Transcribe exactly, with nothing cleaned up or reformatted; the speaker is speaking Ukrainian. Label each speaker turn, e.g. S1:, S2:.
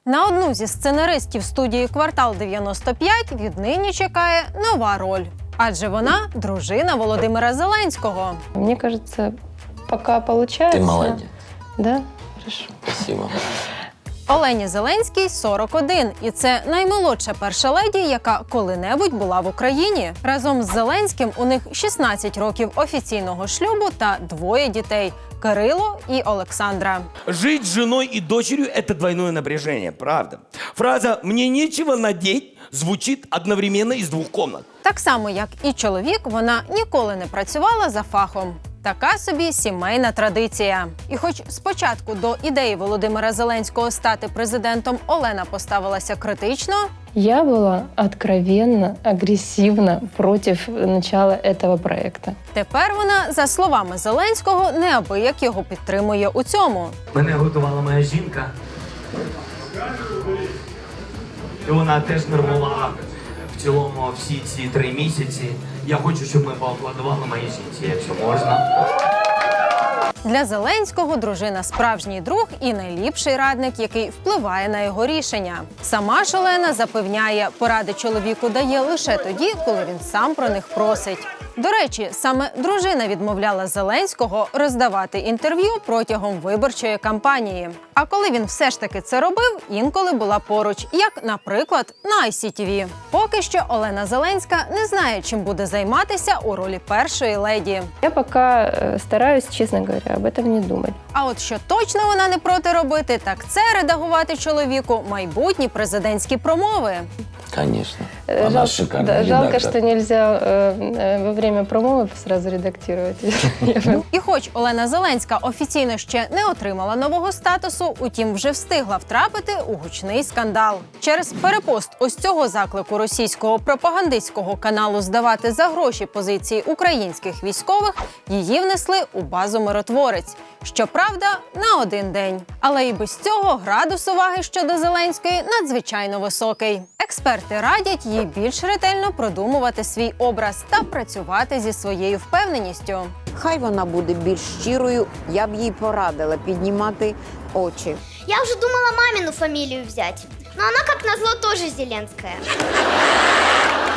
S1: На одну зі сценаристів студії «Квартал дев'яносто п'ять» віднині чекає нова роль. Адже вона – дружина Володимира Зеленського.
S2: Мне кажется, пока получается.
S3: Ты молодец.
S2: Да? Хорошо.
S3: Спасибо.
S1: Олені Зеленській сорок один, і це наймолодша перша леді, яка коли-небудь була в Україні. Разом з Зеленським у них шістнадцять років офіційного шлюбу та двоє дітей – Кирило і Олександра.
S4: Жить с женой и дочерью – это двойное напряжение, правда. Фраза «мне нечего надеть» звучит одновременно из двух комнат.
S1: Так само, як і чоловік, вона ніколи не працювала за фахом. Така собі сімейна традиція. І хоч спочатку до ідеї Володимира Зеленського стати президентом Олена поставилася критично,
S2: Я была откровенно, агрессивно против начала этого проекта.
S1: тепер вона, за словами Зеленського, неабияк його підтримує у цьому.
S5: Мене готувала моя жінка. І вона теж нервувала в цілому всі ці три місяці. Я хочу, щоб ми поаплодували моїй жінці, якщо можна.
S1: Для Зеленського дружина – справжній друг і найліпший радник, який впливає на його рішення. Сама ж Олена запевняє, поради чоловіку дає лише тоді, коли він сам про них просить. До речі, саме дружина відмовляла Зеленського роздавати інтерв'ю протягом виборчої кампанії. А коли він все ж таки це робив, інколи була поруч, як, наприклад, на ай сі ті ві. Поки що Олена Зеленська не знає, чим буде займатися у ролі першої леді.
S2: Я пока э, стараюсь, честно говоря, об этом не думать.
S1: А от що точно вона не проти робити, так це редагувати чоловіку майбутні президентські промови.
S3: Конечно.
S2: Э,
S3: Она
S2: жал-
S3: шикарная
S2: да, жалко,
S3: редактор.
S2: что нельзя э, э, во время промовы сразу редактировать.
S1: І хоч Олена Зеленська офіційно ще не отримала нового статусу, утім вже встигла втрапити у гучний скандал. Через перепост ось цього заклику російського пропагандистського каналу здавати за гроші позиції українських військових її внесли у базу «Миротворець». Щоправда, на один день. Але і без цього градус уваги щодо Зеленської надзвичайно високий. Експерти радять їй більш ретельно продумувати свій образ та працювати зі своєю впевненістю.
S6: Хай вона буде більш щирою, я б їй порадила піднімати очі.
S7: Я уже думала мамину фамилию взять, но она, как назло, тоже Зеленская.